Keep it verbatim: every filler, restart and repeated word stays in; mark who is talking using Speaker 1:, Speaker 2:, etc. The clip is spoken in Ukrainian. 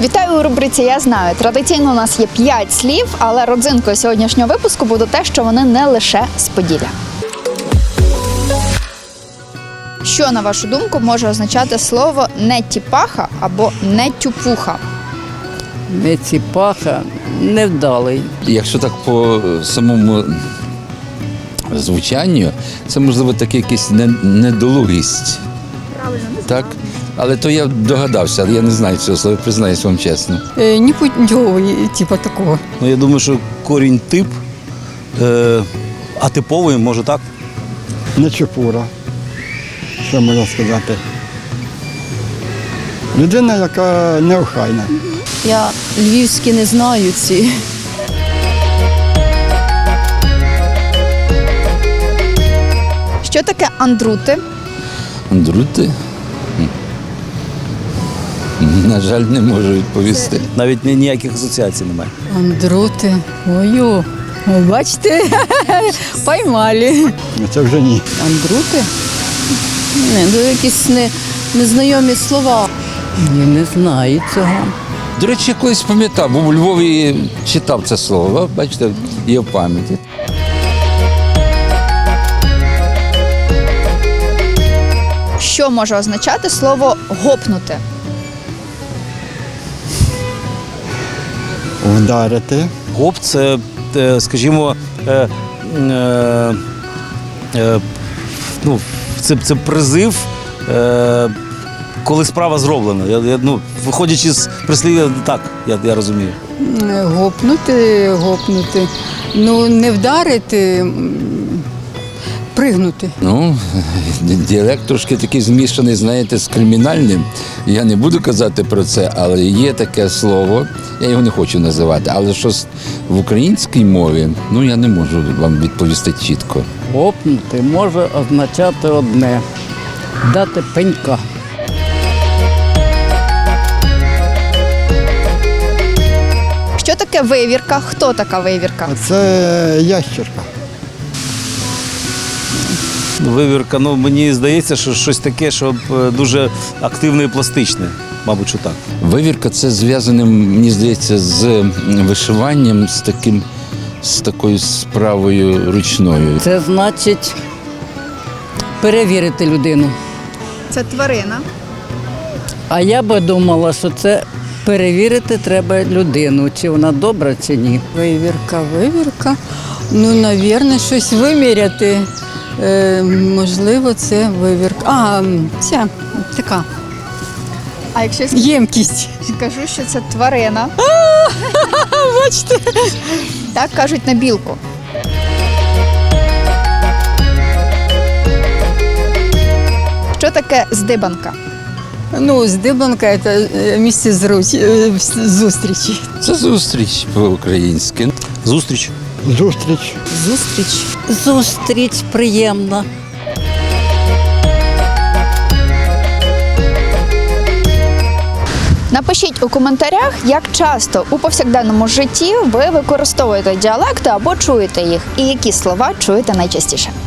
Speaker 1: Вітаю у рубриці «Я знаю». Традиційно у нас є п'ять слів, але родзинкою сьогоднішнього випуску буде те, що вони не лише з Поділля. Що, на вашу думку, може означати слово «нетіпаха» або «нетюпуха»?
Speaker 2: Нетіпаха, невдалий.
Speaker 3: Якщо так по самому звучанню, це, можливо, таке якась недолугість.
Speaker 1: Правильно, не
Speaker 3: Так? Але то я догадався, але я не знаю цього слова, признаюсь вам чесно.
Speaker 2: Е, Непутьовий, типу такого.
Speaker 4: Ну, я думаю, що корінь тип, е, атиповий, може так.
Speaker 5: Нечепура, що можна сказати. Людина, яка неохайна.
Speaker 6: Я львівські не знаю ці.
Speaker 1: Що таке андрути?
Speaker 3: Андрути? Хм. На жаль, не можу відповісти.
Speaker 4: Навіть ні- ніяких асоціацій немає.
Speaker 2: Андрути. Ой-о. О, бачите? Поймали.
Speaker 5: Ну, це вже ні.
Speaker 6: Андрути? Не, ну якісь не, незнайомі слова.
Speaker 2: Я не знаю цього.
Speaker 3: До речі, я колись пам'ятав, був у Львові читав це слово, бачите, є в пам'яті.
Speaker 1: Що може означати слово «гопнути»?
Speaker 5: Вдарити.
Speaker 4: Гоп – це, е, скажімо, е, е, е, ну, це, це призив, е, коли справа зроблена. Я, я, ну, виходячи з прислів'я, так, я, я розумію.
Speaker 2: Е, Гопнути, гопнути. Ну, не вдарити, м, пригнути.
Speaker 3: Ну, діалект трошки такий змішаний, знаєте, з кримінальним. Я не буду казати про це, але є таке слово, я його не хочу називати, але щось в українській мові, ну, я не можу вам відповісти чітко.
Speaker 2: Гопнути може означати одне. Дати пенька.
Speaker 1: Що таке вивірка? Хто така вивірка?
Speaker 5: А це ящерка.
Speaker 4: Вивірка, ну, мені здається, що щось таке, що е, дуже активне і пластичне. Мабуть, що так.
Speaker 3: Вивірка – це зв'язане, мені здається, з вишиванням, з таким, з такою справою ручною.
Speaker 2: Це значить перевірити людину.
Speaker 1: Це тварина.
Speaker 2: А я би думала, що це перевірити треба людину, чи вона добра, чи ні.
Speaker 7: Вивірка, вивірка. Ну, навірно, щось виміряти. Е, можливо, це вивірка. А, ця така
Speaker 1: А якщо я
Speaker 7: ємкість.
Speaker 1: скажу, що це тварина?
Speaker 7: Бачите?
Speaker 1: Так кажуть на білку. Що таке здибанка?
Speaker 7: Ну, здибанка – це е, місце зруч- е, зустрічі.
Speaker 3: Це зустріч по-українськи.
Speaker 4: Зустріч.
Speaker 5: Зустріч.
Speaker 6: Зустріч.
Speaker 2: Зустріч приємна.
Speaker 1: Напишіть у коментарях, як часто у повсякденному житті ви використовуєте діалекти або чуєте їх, і які слова чуєте найчастіше.